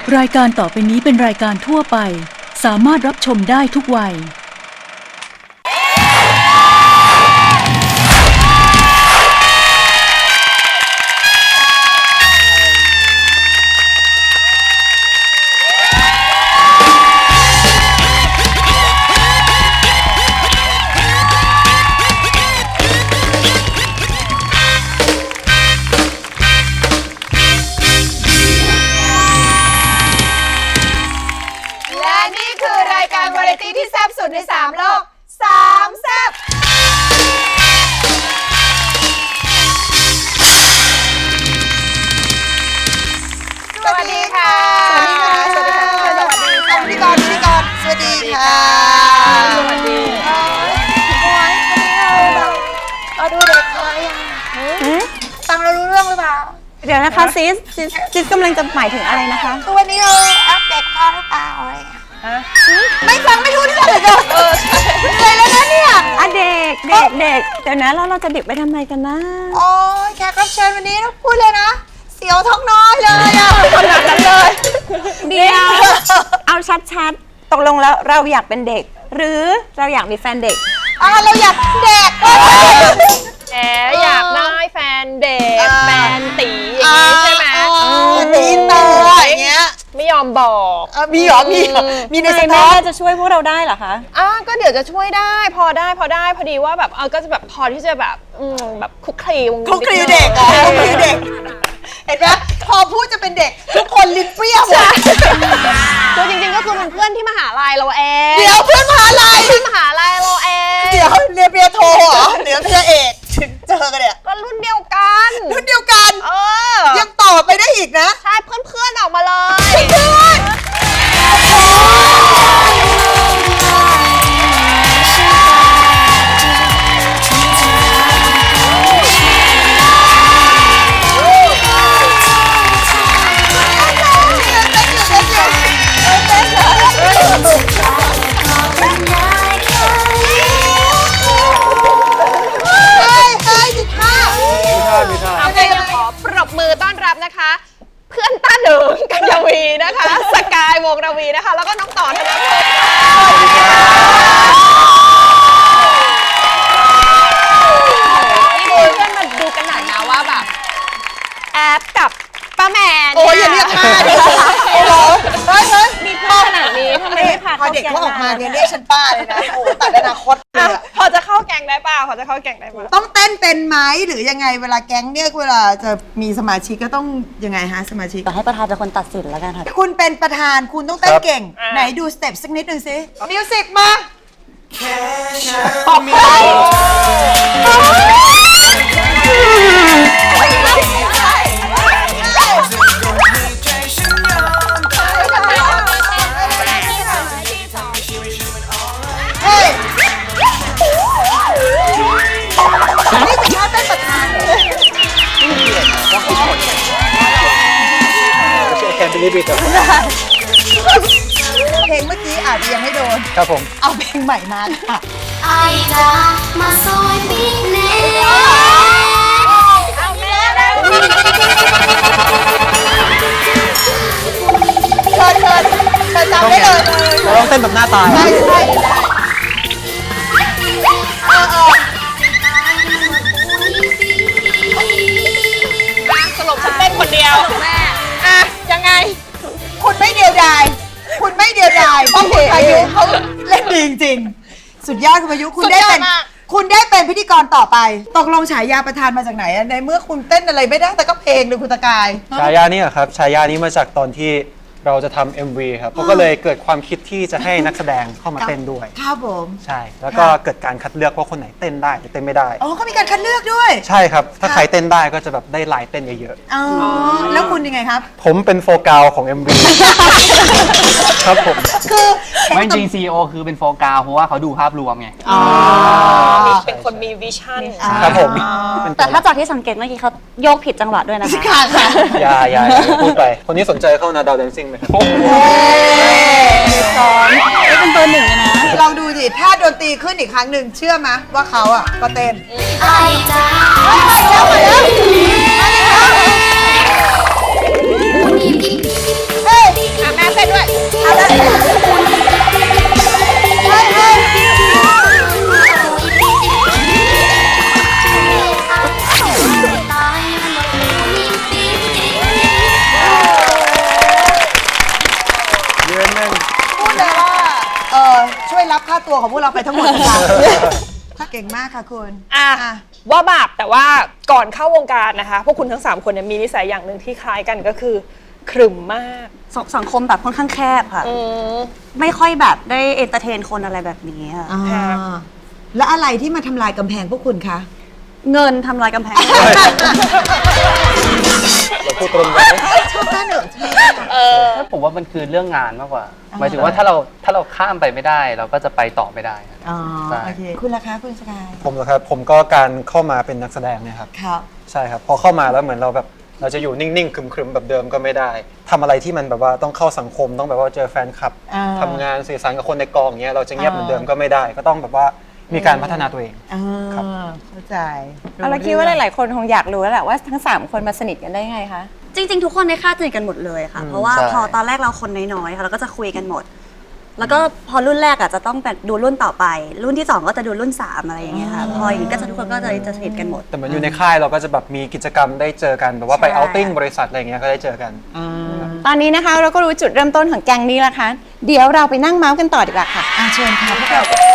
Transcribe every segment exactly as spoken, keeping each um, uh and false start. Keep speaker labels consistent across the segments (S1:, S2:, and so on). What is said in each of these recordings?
S1: รายการต่อไปนี้เป็นรายการทั่วไปสามารถรับชมได้ทุกวัย
S2: ที่แซ่บสุดในสามโลกสามแซ่บสวัสดีค่ะสวัสดีค่ะสวัสดีค่ะสวัสดีค่ะพิธีกรพิธีกรสวัสดีค่ะสวัสดีโอ้ยวันนี้เราแบบเราดูเด็กเลยอ่ะฟังเรารู้เรื่องหรือเปล่า
S3: เดี๋ยวนะคะซิสซิสซิสกำลังจะหมายถึงอะไรนะคะ
S2: คือวันนี้เราอัปเดตพ่อหรือเปล่าอะไรไม่ฟังไม่รู้เรื่องเลยเออเหนื่อยแล้วนะเนี่ย
S3: อ่ะเด็กเด็กเด็กเดี๋ยวนะแล้วเราจะเด็กไปทำไมกันนะ
S2: โอ้ยแขกรับเชิญวันนี้ต้องพูดเลยนะเสียวท้องน้อยเลยอ่ะขนาดนั้นเลย
S3: เดี๋ยวเอาชัดๆตกลงแล้วเราอยากเป็นเด็กหรือเราอยากมีแฟนเด็ก
S2: อ่ะเราอยากเด็ก
S4: แอบอยากได้แฟนเด็กแฟนตีอย่างนี้ใช่ไหม
S2: ตีเตออย่างเงี้ย
S4: ไม่ยอมบอก
S2: มีหรอมีมีในส
S3: ต็อกแม่จะช่วยพวกเราได้เหรอคะ
S4: อ่ะก็เดี๋ยวจะช่วยได้พอได้พอได้พอดีว่าแบบเออก็จะแบบพอที่จะแบบอืมแบบคุกคลี
S2: คุกคลีเด็กอ่ะคุกคลีเด็กเห็นไหมพอพูดจะเป็นเด็กทุกคนลิ้นเปรี้ยว
S4: คือจริงๆก็คือมันเพื่อนที่มหาลัยเราเอง
S2: เดี๋ยวเพื่อนมหาลัย
S4: เพื่อนมหาลัยเราเอง
S2: เดี๋ยวเรียนปริญญาโทเหรอเดี๋ยวปริญญาเอกถึงเจอกันเนี่ย
S4: ก็รุ่นเดียวกัน
S2: รุ่นเดียวกัน
S4: เออ
S2: ยังต่อไปได้อีกนะ
S4: ใช่เพื่อนๆออกมาเลย
S2: เพื่อน
S4: นะคะเพื่อนต้าเดิงกัญญวีนะคะสกายวงระวีนะคะแล้วก็น้องต่อธนพลนี่ดูเพื่อนมาดูกันหน่อยนะว่าแบบแอปกับป้าแมน
S2: โอ้ยอย่าเรียกป้าดิโอ้โหเฮ้ยเฮ้ย
S4: มีเพื่อนขนาดนี้ทำไมไม่พา
S2: พอเด็กเขาออกมาเนี่ยเรียกฉันป้าเลยนะโอ้ตัดอนาคตเลย
S4: พอจะเข้าแก๊งได้ป่ะพอจะเข้าแก๊งได้ป่ะ
S2: ต้องเต้นเป็นไหมหรือยังไงเวลาแก๊งเนี่ยเวลาจะมีสมาชิกก็ต้องยังไงฮะสมาชิก
S3: ให้ประธานเป็นคนตัดสินแล้วกันค่ะ
S2: คุณเป็นประธานคุณต้องเต้นเก่งไหนดูสเต็ปสักนิดหนึ่งสิมิวสิกมาเพลงเมื่อกี้อาจจะยังไม่โดน
S5: ครับผม
S2: เอาเพลงใหม่มาค่ะ
S6: ไอจ้ามาซอยบิ๊กเน่
S2: เอาแม่เชิญเชิญเชิญจำได้เลย
S5: เราต้องเต้นแบบหน้าตา
S2: ได้ใช่ได้เออเออ
S4: สรุปฉันเต้นคนเดียวแม่อ่ะยังไง
S2: คุณไม่เดียวดายคุณไม่เดียวดายเพราะคุณพายุเขาเล่นดีจริงๆสุดยอดคุณพายุคุณได้เป็นคุณได้เป็นพิธีกรต่อไปตกลงฉายาประธานมาจากไหนในเมื่อคุณเต้นอะไรไม่ได้แต่ก็เพลงดูคุณตะกาย
S5: ฉายานี้ครับฉายานี้มาจากตอนที่เราจะทำ เอ็ม วี ครับเขาก็เลยเกิดความคิดที่จะให้นักแสดงเข้ามาเต้นด้วย
S2: ครับผม
S5: ใช่แล้วก็เกิดการคัดเลือกว่าคนไหนเต้นได้หรือเต้นไม่ได้
S2: อ๋อก็มีการคัดเลือกด้วย
S5: ใช่ครับถ้าใครเต้นได้ก็จะแบบได้ลายเต้นเยอะ
S2: ๆอ๋อแล้วคุณยังไงครับ
S5: ผมเป็นโฟกัสของ เอ็ม วี ครับผม
S2: คือ
S7: ไม่จริง ซี อี โอ คือเป็นโฟกัสเพราะว่าเขาดูภาพรวมไง
S4: อ๋อเป็นคนมีวิชั่น
S5: ครับผม
S3: แต่ถ้าจากที่สังเกตเมื่อกี้เขาโยกผิดจังหวะด้วยนะคะ
S2: ค่ะค่ะ
S5: อย่าอย่าพูดไปคนนี้สนใจเข้านาดาวแดนซิ่งไหมครับ
S3: สอนนี่เป็นตัวหนึ่งนะ
S2: ลองดูสิถ้าดนตรีขึ้นอีกครั้งหนึ่งเชื่อไหมว่าเขาอ่ะก็เต้น
S6: ไอจ้า
S2: มาแล้วมาแล้วมาแล้วเฮ้ยของพวกเราไปทั้งหมดค่ะเก่งมากค่ะคุณ
S4: อ่ะว่าบาปแต่ว่าก่อนเข้าวงการนะคะ พวกคุณทั้งสามคนเนี่ยมีนิสัยอย่างหนึ่งที่คล้ายกันก็คือขรึมมาก
S3: สสังคมแบบค่อนข้างแคบค่ะ
S4: อืม
S3: ไม่ค่อยแบบได้เอนเตอร์เทนคนอะไรแบบนี้ค่ะ
S2: อ่าแล้วอะไรที่มาทำลายกำแพงพวกคุณคะ
S3: เงินทำลายกำแพง
S5: เราพูดตรงกัน
S2: ชอบต้าเหนิงใช่ไหม
S4: เออ
S7: ผมว่ามันคือเรื่องงานมากกว่า หมายถึงว่าถ้าเราถ้าเราข้ามไปไม่ได้ เราก็จะไปต่อไม่ได้ครับ
S2: อ๋อ
S7: ใช่
S2: โอเคคุณล่ะคะคุณสกาย
S5: ผมเหรอครับผมก็การเข้ามาเป็นนักแสดงเนี่ยครับ
S2: ครับ
S5: ใช่ครับพอเข้ามาแล้วเหมือนเราแบบเราจะอยู่นิ่งๆครึมๆแบบเดิมก็ไม่ได้ทำอะไรที่มันแบบว่าต้องเข้าสังคมต้องแบบว่าเจอแฟนคลับ
S2: อ่า
S5: ทำงานสื่อสารกับคนในกองอย่างเงี้ยเราจะเงียบ
S2: อ่า
S5: เหมือนเดิมก็ไม่ได้ ก็ต้องแบบว่ามีการพัฒนาตัวเอง
S2: อ่า
S5: ครับ
S2: เข้าใจ
S3: เราคิดว่าหลาย ๆ คนคงอยากรู้แล้วแหละว่าทั้งสามคนมาสนิทกันได้ไงคะ จริง ๆ ทุกคนในค่ายสนิทกันหมดเลยค่ะ เพราะว่า
S7: ใช่
S3: พอตอนแรกเราคนน้อยๆค่ะเราก็จะคุยกันหมด แล้วก็พอรุ่นแรกอ่ะจะต้องแบบดูรุ่นต่อไป รุ่นที่สองก็จะดูรุ่นสามอะไรอย่างเงี้ยค่ะ พออย่างนี้ก็จะทุกคนก็จะจะสนิทกันหมด
S5: แต่เหมือนอยู่ในค่ายเราก็จะแบบมีกิจกรรมได้เจอกันแบบว่าไป
S3: ใช่
S5: เอาติ้งบริษัทอะไรเงี้ยก็ได้เจอกัน
S3: ตอนนี้นะคะเราก็รู้จุดเริ่มต้นของแก๊งนี้แล้วค่ะ เดี๋ยวเราไปนั่งเมาส์กันต่อดีกว่าค่ะ
S2: อ่าเชิญค่ะพวกเรา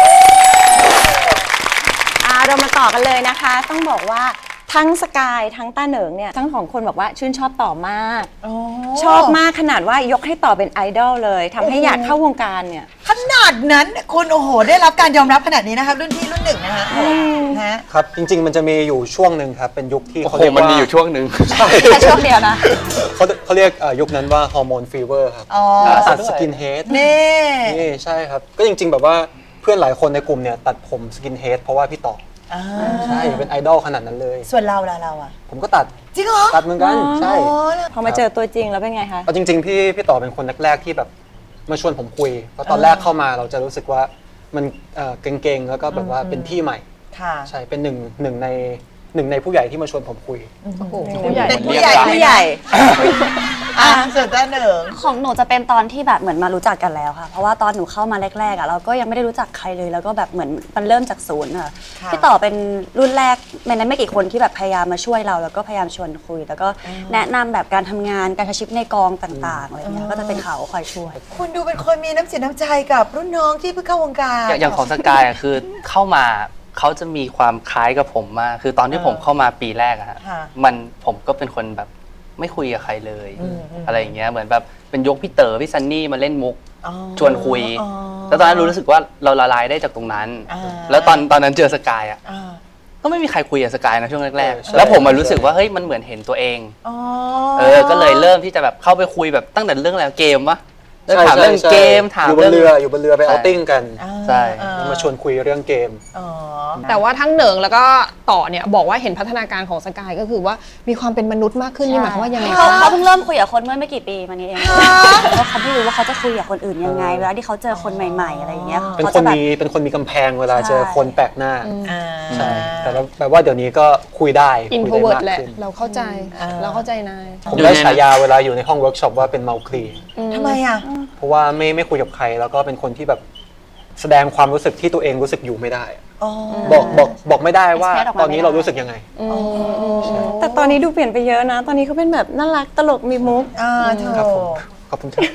S3: อ่าเรามาต่อกันเลยนะคะ ต้องบอกว่าทั้งสกายทั้งต้าเหนิงเนี่ยทั้งสองคนบอกว่าชื่นชอบต่อมาก ชอบมากขนาดว่ายกให้ต่อเป็นไอดอลเลยทำให้อยากเข้าวงการเนี่ย
S2: ขนาดนั้นคุณโอ้โหได้รับการยอมรับขนาดนี้นะคะรุ่นพี่รุ่นหนึ่งนะคะฮะ
S5: ครับจริง ๆ มันจะมีอยู่ช่วงหนึ่งครับเป็นยุคที่
S7: โอ้
S5: เขา
S7: โห
S5: เรียก
S7: มัน
S5: ว่า
S7: มีอยู่ช่วงหนึ่ง
S3: แค่ช่วงเดียวนะ
S5: เขาเขาเรียกเอ่อยุคนั้นว่าฮอร์โมนฟีเวอร์ครับ
S2: อ๋อ
S5: ตัดสกินเฮด
S2: นี่
S5: นี่ใช่ครับก็จริง ๆ แบบว่าเพื่อนหลายคนในกลุ่มเนี่ยตัดผมสกินเฮดเพราะว่าพี่ต่อ
S2: อ่า
S5: ใช่เป็นไอดอลขนาดนั้นเลย
S2: ส่วนเราล่ะเราอ่ะ
S5: ผมก็ตัด
S2: จริงเหรอ
S5: ตัดเหมือนกันใช่
S2: อ๋อแล้ว
S3: พอมาเจอตัวจริงแล้วเป็นไงคะ
S5: เอาจริง ๆ พี่พี่ต่อเป็นคนแรกๆที่แบบมาชวนผมคุยเพราะตอนแรกเข้ามาเราจะรู้สึกว่ามันเอ่อเก่งๆแล้วก็แบบว่าเป็นพี่ใหม่
S2: ค่ะ
S5: ใช่เป็นหนึ่งหนึ่งในหนึ่งในผู้ใหญ่ที่มาชวนผมคุย
S4: ผู้ใหญ่
S2: เป็นผู้ใหญ่
S3: ผู้ใหญ่
S2: อ่ะส่วนต้าเหนิง
S3: ของหนูจะเป็นตอนที่แบบเหมือนมารู้จักกันแล้วค่ะ เพราะว่าตอนหนูเข้ามาแรกๆอ่ะเราก็ยังไม่ได้รู้จักใครเลย แล้วก็แบบเหมือนมันเริ่มจากศูนย์ค่ะ
S2: ค่ะ
S3: พี่ต่อเป็นรุ่นแรกในนั้นไม่กี่คนที่แบบพยายามมาช่วยเรา แล้วก็พยายามชวนคุย แล้วก็แนะนำแบบการทำงานการใช้ชีวิตในกองต่างๆอะไรเงี้ยก็จะเป็นเขาคอยช่วย
S2: คุณดูเป็นคนมีน้ำเสียน้ำใจกับรุ่นน้องที่เพิ่งเข้าวงการ
S7: อย่างอย่างของสกายอะคือเข้ามาเขาจะมีความคล้ายกับผมมาก คือตอนที่ผมเข้ามาปีแรกอะฮะ
S2: ค่ะ
S7: มันผมก็เป็นคนแบบไม่คุยกับใครเลย
S2: อืมอืม
S7: อะไรอย่างเงี้ยเหมือนแบบเป็นยกพี่เต๋อพี่ซันนี่มาเล่นมุก
S2: อ๋อ
S7: ชวนคุย
S2: อ๋อ
S7: แล้วตอนนั้นรู้สึกว่าเราละลายได้จากตรงนั้น
S2: อ่า
S7: แล้วตอนตอนนั้นเจอสกายอะ
S2: อ่า
S7: ก็ไม่มีใครคุยกับสกายนะช่วงแรก
S5: เออใช่
S7: ๆแล้วผมมารู้สึกว่าเฮ้ยมันเหมือนเห็นตัวเอง
S2: อ๋อ
S7: เออก็เลยเริ่มที่จะแบบเข้าไปคุยแบบตั้งแต่เรื่องอะไรเกมวะเริ่มถามเรื่อง
S5: ใช่
S7: เกมถาม
S5: อยู่บน
S7: เรื่อง
S5: เรืออยู่บนเรือไป
S7: ใช่
S5: เอาติ้งกัน
S2: อ่า
S7: ใช่
S2: อ่
S5: มาชวนคุยเรื่องเกม
S2: อ๋อ
S4: แต่ว่าทั้งเหนิงแล้วก็ต่อเนี่ยบอกว่าเห็นพัฒนาการของสกายก็คือว่ามีความเป็นมนุษย์มากขึ้นนี่หมายความว่ายังไง
S3: เขา
S4: คะ
S3: เขาเพิ่งเริ่มคุยกับคนเมื่อไม่กี่ปีมานี้เองแล้วเขาไม่รู้ว่าเขาจะคุยกับคนอื่นยังไงเวลาที่เขาเจอคนใหม่ ๆ อะไรอย่างเงี้ย
S5: เป็น
S3: เขา
S5: คน
S3: จะแบบ
S5: มีเป็นคนมีกำแพงเวลา
S3: ใช่
S5: เจอคนแปลกหน้า
S2: อ่า
S5: ใช่แต่ว่าแปลว่าเดี๋ยวนี้ก็คุยได้
S4: อิน
S5: คุย
S4: โทร
S5: ได้
S4: เวิร์ด
S5: มาก
S4: แหละ
S5: ขึ้น
S4: เราเข้าใจ
S2: อ่า
S4: เราเข้าใจนาย
S5: ผมได้ฉายาเวลาอยู่ในห้องเวิร์กช็อปว่าเป็นเมาคลี
S2: ทำไมอ่ะ
S5: เพราะว่าไม่ไม่คุยกับใครแล้วก็เป็นคนที่แบบแสดงความรู้สึกที่ตัวเองรู้สึกอยู่ไม่ได้
S2: อ๋อ
S5: บอกบอกบอกไม่ได้ว่า
S3: express ออกมา
S5: ตอนนี้
S3: ไม่ได้
S5: เรารู้สึกยังไง
S3: แต่ตอนนี้ดูเปลี่ยนไปเยอะนะ ตอนนี้เขาเป็นแบบน่ารักตลกมีมุก
S2: อ่าเธอ
S5: ครับผมขอบคุณครับ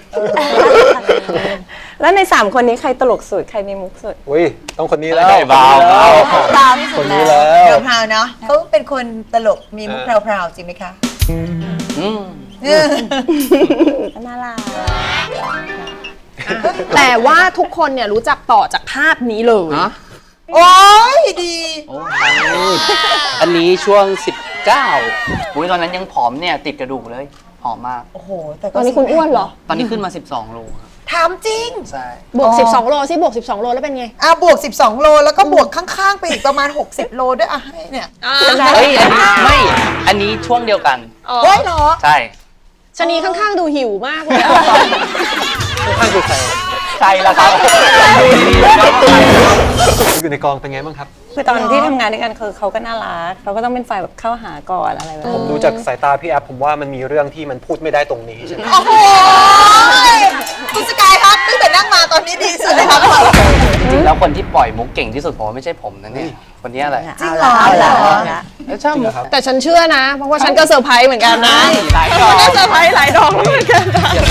S3: แล้วในสามคนนี้ใครตลกสุดใครมีมุกสุด
S5: อุ้ยต้องคนนี้แล้ว
S7: ได้เบา
S5: คนนี้แล้ว
S3: เบาที่สุด
S5: คนนี้
S3: แล้ว
S5: แล้ว
S2: พราวๆเนาะเขาเป็นคนตลกมีมุกพราวๆจริงไหมคะ
S7: อืม
S3: น่ารัก
S4: แต่ว่าทุกคนเนี่ยรู้จักต่อจากภาพนี้เลย
S7: ฮะ
S2: โอ้ยดี
S7: โอ้ยอันนี้ช่วงสิบเก้าอุ้ยตอนนั้นยังผอมเนี่ยติดกระดูกเลยผอมมาก
S2: โอ้โหแต่ก็
S4: ตอนนี้คุณอ้วนเหรอ
S7: ตอนนี้ขึ้นมาสิบสองโลครับ
S2: ถามจริง
S7: ใช่
S4: บวกสิบสองโลสิบวกสิบสองโลแล้วเป็นไง
S2: อ่ะบวกสิบสองโลแล้วก็บวกข้างๆไปอีกประมาณหกสิบโลด้วยอ่ะให้เนี่ย
S7: เฮ้ยอันนี้ไม่ อันนี้ช่วงเดียวกัน
S2: เฮ้ยเหรอ
S7: ใช่
S4: ชะนีข้างๆดูหิวมากเลยอะ
S5: ข้างๆคือใคร
S7: ใช่แล้วครับดูดีๆนะครับ
S5: อยู่ในกองเป็นไงบ้างครับ
S3: คือตอนที่ทำงานด้วยกันคือเขาก็น่ารักเขาก็ต้องเป็นฝ่ายแบบเข้าหาก่อนอะไรแบบ
S5: ผมดูจากสายตาพี่แอฟผมว่ามันมีเรื่องที่มันพูดไม่ได้ตรงนี้ใช่ไหม
S2: โอ้โหคุณสกายครับตั้งแต่นั่งมาตอนนี้ดีสุดเลยครับ
S7: จริงๆแล้วคนที่ปล่อยมุกเก่งที่สุดผมว่าไม่ใช่ผมนะเนี่ยคนนี้อะไร
S2: จริงเหรอ
S3: เอาละ
S7: แล้วชอบมุก
S4: แต่ฉันเชื่อนะ เพราะว่าฉันก็เซอร์ไพรส์เหมือนกันนะ
S7: หลายดอก
S4: ก็เซอร์ไพรส์หลายดอกเหมือนกันนะ
S7: อย่าง